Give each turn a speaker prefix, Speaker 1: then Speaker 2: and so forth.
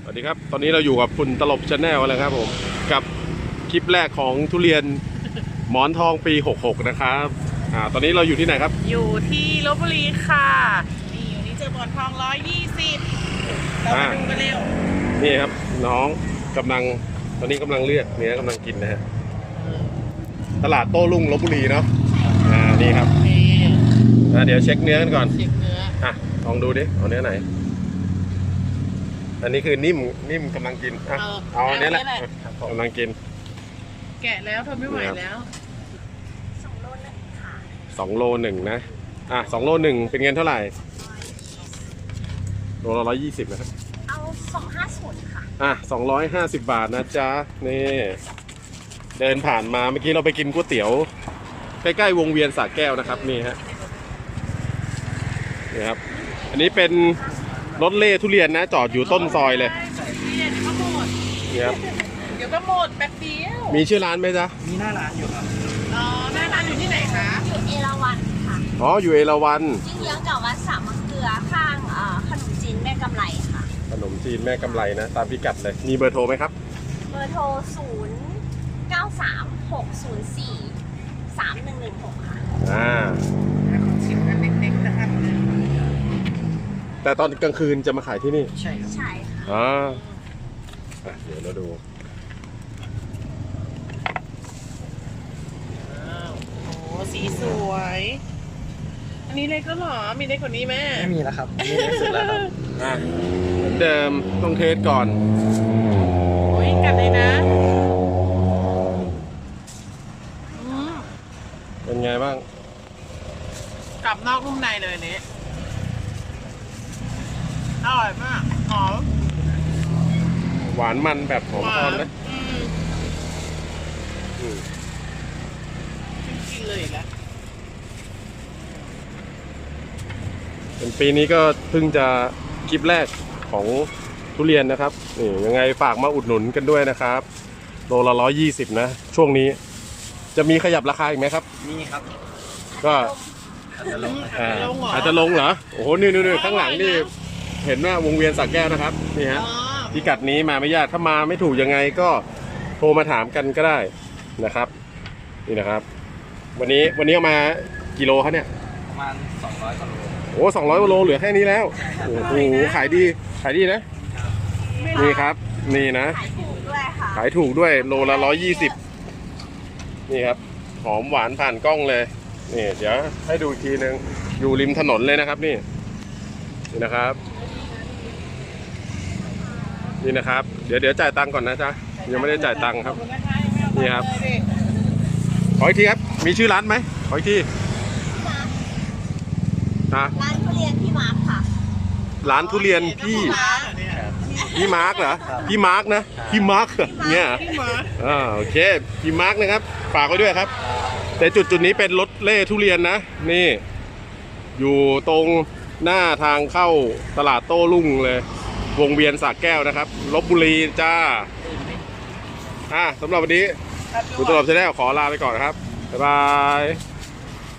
Speaker 1: สวัสดีครับตอนนี้เราอยู่กับคุณตลบชาแนลแล้วครับผมกับคลิปแรกของทุเรียนหมอนทองปี66นะครับตอนนี้เราอยู่ที่ไหนครับ
Speaker 2: อยู่ที่ลพบุรีค่ะนี่อยู่นี่เจอหมอนทอง120เรามาดูกันเร็ว
Speaker 1: นี่ครับน้องกำลังตอนนี้กำลังเลือกเนื้อกำลังกินนะฮะตลาดโต้รุ่งลพบุรีเนาะนี่ครับเดี๋ยวเช็คเนื้อกันก่อน
Speaker 2: เช็คเนื้อ
Speaker 1: ลองดูดิเอาเนื้อไหนอันนี้คือนิ่มกำลังกินเอาอันนี้แหละกำลังกิน
Speaker 2: แกะแล้วทนไม่ไหวแล้ว
Speaker 1: 2 โล 1นะ2 โล 1เป็นเงินเท่าไหร่โลละ120นะครับ
Speaker 3: เอา250ค่ะ
Speaker 1: 250 บาทนะจ๊ะนี่เดินผ่านมาเมื่อกี้เราไปกินก๋วยเตี๋ยวใกล้ๆวงเวียนสระแก้วนะครับนี่ฮะนี่ครับอันนี้เป็นรถเล่ทุเรียนนะจอดอยู่ต้นซอยเลย
Speaker 2: เดี๋ยวก็หมด
Speaker 1: นี่ครับ
Speaker 2: เดี๋ยวก็หมดแป๊บเดียว
Speaker 1: มีชื่อร้านไหมจ๊ะ
Speaker 4: มีหน้าร้านอยู่ครับ
Speaker 2: หน้าร้านอยู่ที่ไหนคะ
Speaker 3: อยู่เอราวัณค่ะ
Speaker 1: อยู่เอราวัณ
Speaker 3: จริงเยื้องกับวัดสามมะเกลือข้างขนมจีนแม่กำไรค่ะ
Speaker 1: ขนมจีนแม่กำไรนะตามพิกัดเลยมีเบอร์โทรไหมครับ
Speaker 3: เบอร์โทร0936043116ค่ะ
Speaker 2: ชิมกันเล็กๆนะครับ
Speaker 1: แต่ตอนกลางคืนจะมาขายที่นี่
Speaker 4: ใช่ครับ
Speaker 3: ใช่ค่ะ
Speaker 1: เดี๋ยวเราดู
Speaker 2: โอ้สีสวยอันนี้เล็กก็หรอมีเล็กกว่านี้ไหม
Speaker 4: ไม่มีแล้วครับนี่เล็กสุดแล้วครับ
Speaker 1: เหมือนเดิมต้องเทสก่อน
Speaker 2: โอ้ยกัดเลยนะ
Speaker 1: เป็นไงบ้าง
Speaker 2: กลับนอกนุ่มในเลยนี้อร่อยมากหอม
Speaker 1: หวานมันแบบหอมทอนนะ
Speaker 2: กินเลยแล้ว
Speaker 1: เป็นปีนี้ก็เพิ่งจะคลิปแรกของทุเรียนนะครับนี่ยังไงฝากมาอุดหนุนกันด้วยนะครับโลละ120นะช่วงนี้จะมีขยับราคาอีกไหมครับ
Speaker 4: มีครับ
Speaker 1: ก็
Speaker 4: อาจจะลง
Speaker 1: เหรอโอ้โหนี่ข้างหลังนี่เห็นว่าวงเวียนสระแก้วนะครับนี่ฮะพิกัดนี้มาไม่ยากถ้ามาไม่ถูกยังไงก็โทรมาถามกันก็ได้นะครับนี่นะครับวันนี้เอามากิโลครับเนี่ย
Speaker 4: ประมาณ200กว่าโล
Speaker 1: โอ้200 กว่าโลเหลือแค่นี้แล้วโอ้โหขายดีนะนี่ครับนี่นะ
Speaker 3: ขายถูกด้วยค่ะ
Speaker 1: ขายถูกด้วยโลละ120นี่ครับหอมหวานผ่านกล้องเลยนี่เดี๋ยวให้ดูอีกทีนึงอยู่ริมถนนเลยนะครับนี่นะครับนี่นะครับเดี๋ยวจ่ายตังค์ก่อนนะจ๊ะยังไม่ได้จ่ายตังค์ครับนี่ครับขออีกทีครับมีชื่อร้านไหมขออีกที
Speaker 3: ร้านทุเรียนพี่มาร์คค่ะ
Speaker 1: ร้านทุเรียนพี่มาร์คเหรอพี่มาร์คนะพี่มาร์คเนี่ยโอเคพี่มาร์คนะครับฝากไว้ด้วยครับแต่จุดนี้เป็นรถเล่ทุเรียนนะนี่อยู่ตรงหน้าทางเข้าตลาดโต้รุ่งเลยวงเวียนสระแก้วนะครับลพบุรีจ้าสำหรับวันนี้คุณตลบชาแนลขอลาไปก่อนครับบ๊ายบาย